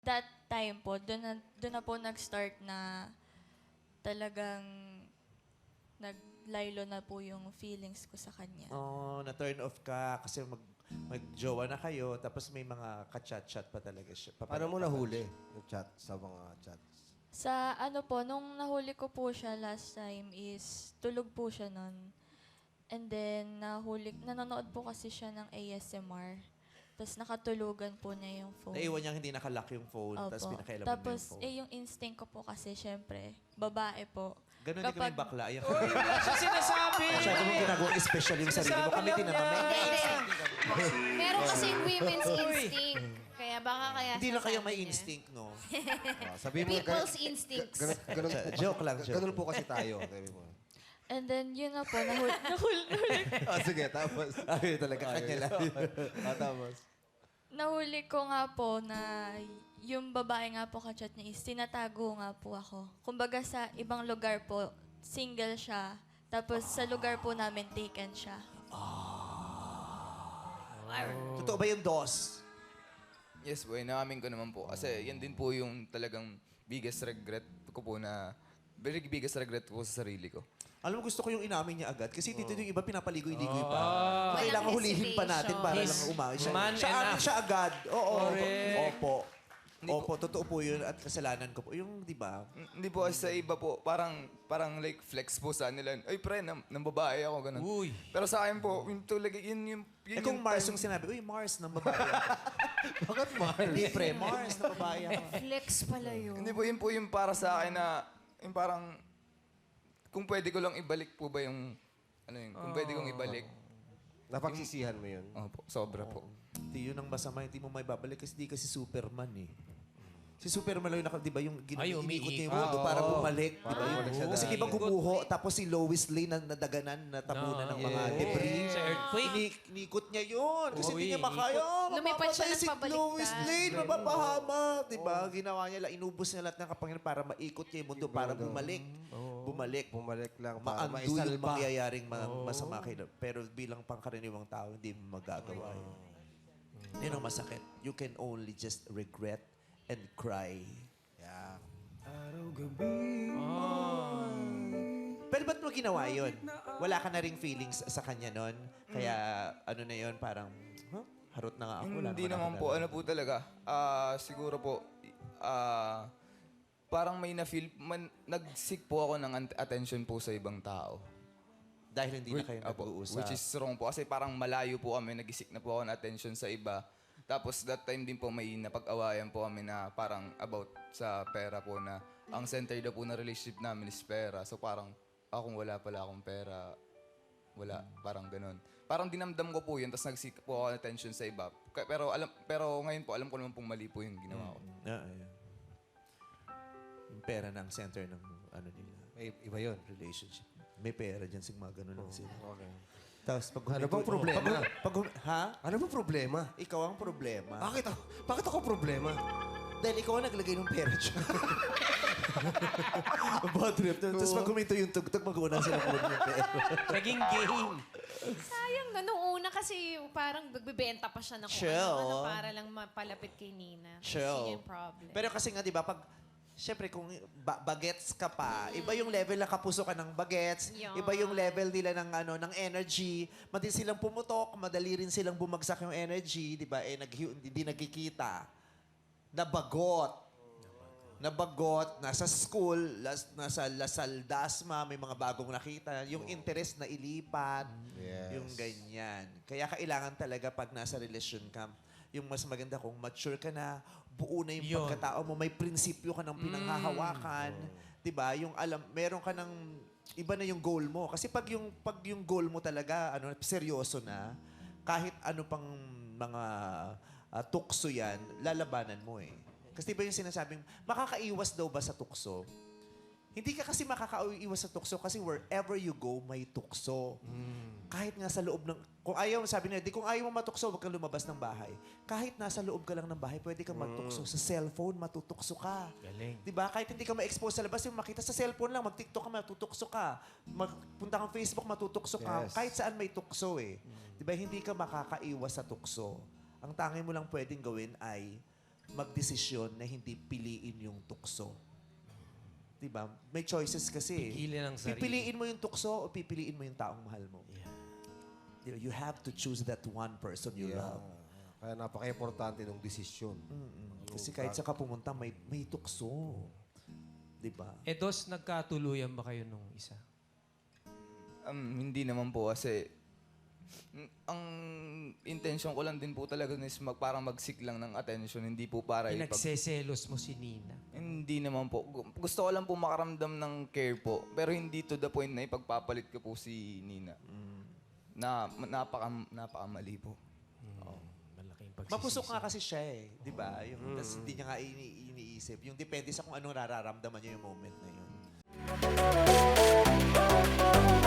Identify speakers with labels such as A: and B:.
A: That time po, doon na po nag-start na talagang naglaylo na po yung feelings ko sa kanya.
B: Oh, na-turn off ka kasi mag-jowa na kayo tapos may mga ka-chat-chat pa talaga siya.
C: Paano mo nahuli yung chat sa mga chats?
A: Sa ano po, nung nahuli ko po siya last time is tulog po siya nun. And then, nanonood po kasi siya ng ASMR. Tapos nakatulugan po niya yung phone.
B: Naiwan niyang hindi nakalock yung phone tapos
A: Opo.
B: pinakailaman niya yung
A: Tapos,
B: phone.
A: yung instinct ko po kasi, syempre, babae po.
B: Ganun din kami bakla. Ayan.
D: Siya sinasabi.
B: Masyado mong ginagawang special yung sarili mo. Kami tinanamay.
E: Meron kasing women's instinct. Kaya baka kaya
B: Hindi lang
E: sinasabi
B: kayo may
E: niya.
B: instinct, no?
C: Sabi mo,
E: People's instincts.
C: ganun,
B: Joke lang, joke.
C: ganun po kasi tayo. Sabi mo.
A: And then, yun na po, nahuli
C: Sige, tapos.
B: Ay, talaga kanya lang.
C: Tapos.
A: Nahuli ko nga po na yung babae nga po kachat niya is tinatago nga po ako. Kumbaga sa ibang lugar po, single siya. Tapos sa lugar po namin, taken siya.
B: Totoo ba yung DOS?
D: Yes po, inaamin ko naman po. Kasi yan din po yung talagang biggest regret ko po na... Very biggest regret ko sa sarili ko.
B: Alam mo, gusto ko yung inamin niya agad. Kasi dito yung iba pinapaligoy-ligoy pa. Kailangan
E: Walang
B: hulihin pa natin para
D: He's
B: lang umawi siya.
D: man
B: Siya
D: enough.
B: amin siya agad. Oo.
D: Correct.
B: Opo.
D: Hindi
B: Opo, totoo po yun at kasalanan ko po. Yung, di ba?
D: Hindi po sa iba po, parang like flex po sa nila. Ay pre, nang babae ako, ganun.
F: Uy.
D: Pero sa akin po, yung talaga, yun
B: Eh kung Mars
D: time-
B: yung sinabi, uy, Mars ng babae ako.
C: Bakit Mars?
B: Hindi, pre, Mars ng babae ako.
E: Flex pala yun.
D: Hindi po yung para sa akin na, yung parang, kung pwede ko lang ibalik po ba yung, kung pwede kong ibalik.
C: Napagsisihan mo yun.
D: Opo, sobra po.
B: Hindi yun ang masama, hindi mo may babalik kasi di kasi Superman eh. Si Superman lang yung di ba yung
F: Ay,
B: iniikot niya yung
F: umiikot.
B: mundo para bumalik, di ba?
C: Para bumalik siya
B: Kasi
C: dati.
B: di ba gumuho, tapos si Lois Lane na nadaganan, natabunan ng mga debris.
F: Sa earthquake.
B: Inikot niya yun. Kasi
F: Oo,
B: hindi niya
F: iikot.
B: makaya.
E: Lumipad siya
B: Mapapatay
E: ng
B: si
E: pabaliktad.
B: Lois Lane, mapapahamak. Di ba? Ginawa niya lang, inubos niya lahat ng kapangyarihan para maikot niya yung mundo, para bumalik. Bumalik.
C: Bumalik lang para
B: Maando yung
C: maisalba.
B: mangyayaring masama kay pero bilang pangkaraniwang tao, hindi mo magagawa yun. Yun ang masakit. You can only just regret and cry.
C: Yeah.
B: Pero ba't mo ginawa yun? Wala ka na ring feelings sa kanya nun? Kaya ano na yun, parang, harot na nga ako. Wala
D: Hindi naman po, ano po talaga. Siguro po, parang may na-feel, nag-seek po ako ng attention po sa ibang tao.
B: Dahil hindi na kayo
D: Apo,
B: nag-uusap.
D: which is wrong po. Kasi parang malayo po kami, nag-seek na po ako ng attention sa iba. Tapos that time din po may napag-awayan po kami na parang about sa pera po na ang center daw po na relationship namin is pera. So parang akong wala pala akong pera, wala, parang ganun. Parang dinamdam ko po yun, tapos nag-seek po ako ng attention sa iba. Pero ngayon po, alam ko naman pong mali po yung ginawa ko.
B: Ayan. Yung pera ng center ng ano nila,
C: May iba yun.
B: relationship. May pera dyan, mga ganun lang sila.
C: Okay.
B: Tapos pag
C: Ano bang problema?
B: ha?
C: Ano ba problema?
B: Ikaw ang problema.
C: Bakit ako problema?
B: Dahil ikaw ang naglagay ng pera dyan. Bad trip. Tapos pag huminto yung tugtog, mag-uuna sila po yung pera.
F: Naging game.
E: Sayang na. Nung una kasi parang nagbebenta pa siya ng kung
B: Chill.
E: ano para lang mapalapit kay Nina. Kasi yun yung problem.
B: Pero kasi nga, di ba, pag siyempre, kung bagets ka pa, iba yung level na kapuso ka ng bagets,
E: Yan.
B: iba yung level nila ng energy. Madali silang pumutok, madali rin silang bumagsak yung energy, di ba? Hindi nagkikita. Nabagot, nasa school, nasa Lasal Dasma, may mga bagong nakita. Yung interest na ilipat,
C: Yes.
B: yung ganyan. Kaya kailangan talaga pag nasa relasyon ka, yung mas maganda kung mature ka na, buo na yung
F: Yun.
B: pagkatao mo, may prinsipyo ka ng pinanghahawakan. 'Di ba? Yung meron ka ng iba na yung goal mo. Kasi pag yung goal mo talaga seryoso na, kahit ano pang mga tukso 'yan, lalabanan mo eh. Kasi diba yung sinasabing, makakaiwas daw ba sa tukso? Hindi ka kasi makakaiwas sa tukso kasi wherever you go, may tukso. Kahit nga sa loob ng... Kung ayaw, sabi nila, kung ayaw mo matukso, huwag kang lumabas ng bahay. Kahit nasa loob ka lang ng bahay, pwede kang magtukso. Sa cellphone, matutukso ka.
F: Galing.
B: Diba? Kahit hindi ka ma-expose sa labas, yung makita sa cellphone lang, mag-TikTok ka, matutukso ka. Magpunta kang Facebook, matutukso ka.
C: Yes.
B: Kahit saan may tukso eh. Diba? Hindi ka makakaiwas sa tukso. Ang tanging mo lang pwedeng gawin ay magdesisyon na hindi piliin yung tukso. Diba? May choices kasi.
C: Pigilin ang sarili.
B: Pipiliin mo yung tukso o pipiliin mo yung taong mahal mo. Diba? You have to choose that one person you
C: Yeah.
B: love.
C: Kaya napaka-importante ng desisyon.
B: Kasi kahit saan ka pumunta, may tukso. Diba?
F: Dos, nagkatuluyan ba kayo nung isa?
D: Hindi naman po kasi ang intention ko lang din po talaga is parang mag-seek lang ng attention, hindi po para
F: Pinagseselos mo si Nina.
D: Hindi naman po. Gusto ko lang po makaramdam ng care po. Pero hindi to the point na ipagpapalit ko po si Nina. Na napakamali po.
F: Malaking pagsisisi.
B: Mapusok nga kasi siya eh. Diba? Yung, tas hindi niya nga iniisip. Yung depende sa kung anong nararamdaman niya yung moment na yun.